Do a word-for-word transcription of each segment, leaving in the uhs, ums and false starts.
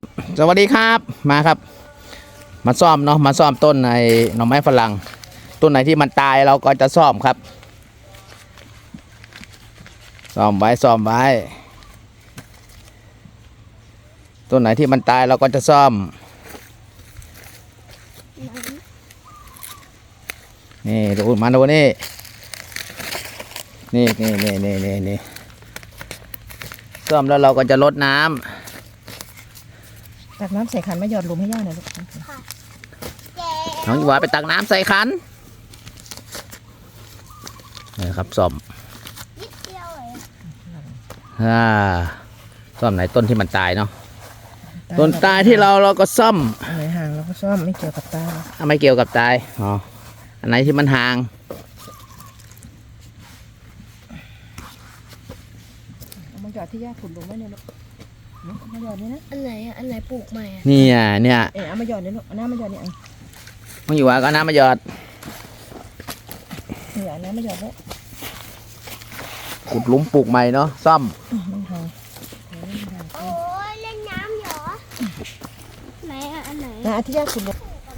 สวัสดีครับมาครับมาซ่อมเนาะมาซ่อมต้นในหน่อไม้ฝรั่งต้นไหนที่มันตายเราก็จะซ่อมครับซ่อมไว้ซ่อมไว้ต้นไหนที่มันตายเราก็จะซ่อมนี่ดูมาดูนี่นี่นี่นี่นี่นี่นี่ซ่อมแล้วเราก็จะลดน้ำตักน้ำใส่ขันมาหยอดหลุมให้ย่าหน่อยลูกน้องหวาไปตักน้ำใส่ขันนี่ครับซ่อมอ่าซ่อมไหนต้นที่มันตายเนาะต้นตายที่เราเราก็ซ่อมอันไหนห่างเราก็ซ่อมไม่เกี่ยวกับตาไม่เกี่ยวกับตายอ๋ออันไหนที่มันห่างเอามาหยอดที่ย่าขุดลงไว้เนี่ยลูกมาหยอดนี่นะอันไหนอ่ะอันไหนปลูกใหม่อ่ะนี่อ่ะเนี่ยเออเอามาหยอดเนี่ยลูกเอาน้ำมาหยอดเนี่ยน้องอยู่ว่าก็น้ำมาหยอดหยอดน้ำมาหยอดแล้วขุดหลุมปลูกใหม่เนาะซ่อมมันห่างโอ้ยเล่นน้ำเหรอไหนอ่ะอันไหนนะที่ย่าขุดลง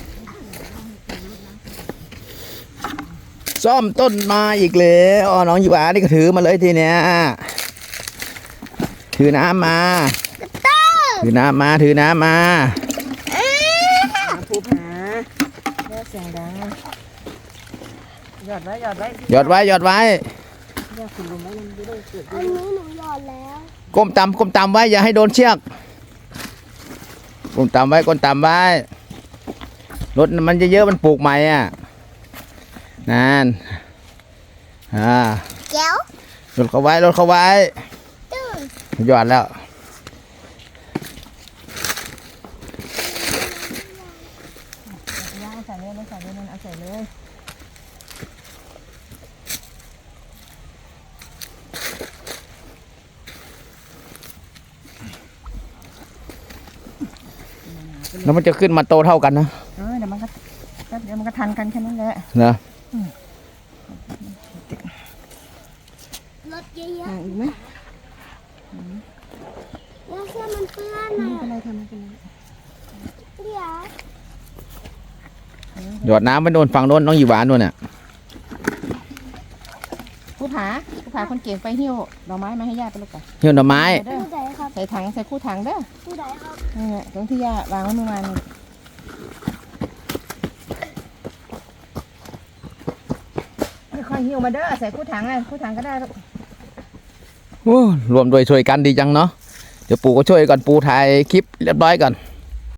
ซ่อมต้นมาอีกแล้วอ๋อน้องอยู่ว่านี่ก็ถือมาเลยทีเนี้ยถือน้ำมาถือน้ำมาถือน้ำมาภูผาแย่เสียงดังหยอดไว้หยอดไว้หยอดไว้หยอดไว้ย่าขุดลงไว้มันไม่ได้เกิดอันนี้หนูหยอดแล้วก้มต่ำก้มต่ำไว้อย่าให้โดนเชือกก้มต่ำไว้ก้มต่ำไว้รถมันจะเยอะมันปลูกใหม่อ่ะนั่นอ่าแก้วรถเขาไว้รถเขาไว้หยอดแล้วย่าใส่เลยไม่ใส่เลยนั่นเอาใส่เลยแล้วมันจะขึ้นมาโตเท่ากันนะเออเดี๋ยวมันก็เดี๋ยวมันก็ทันกันแค่นั้นแหละนะรถเยอะๆอีกไหมแล้วเสื้อมันเปื้อนไม่อ่ะเป็นไรทำไม่เป็นไรเดี๋ยวหยอดน้ำไปโดนฝั่งโน้นน้องอยู่หวานโน่นเนี่ยผู้ผาผู้ผาคนเก่งไปหิ้วดอกไม้มาให้ย่าไปลูกก่อนหิ้วดอกไม้ผู้ใดครับใส่ถังใส่คู่ถังเด้อผู้ใดครับนี่แหละตรงที่ย่าวางไว้เมื่อวานนี่ค่อยหิ้วมาเด้อใส่คู่ถังอ่ะคู่ถังก็ได้ลูกโอ้รวมโดยช่วยกันดีจังเนาะเดี๋ยวปู่ก็ช่วยก่อนปู่ถ่ายคลิปเรียบร้อยก่อน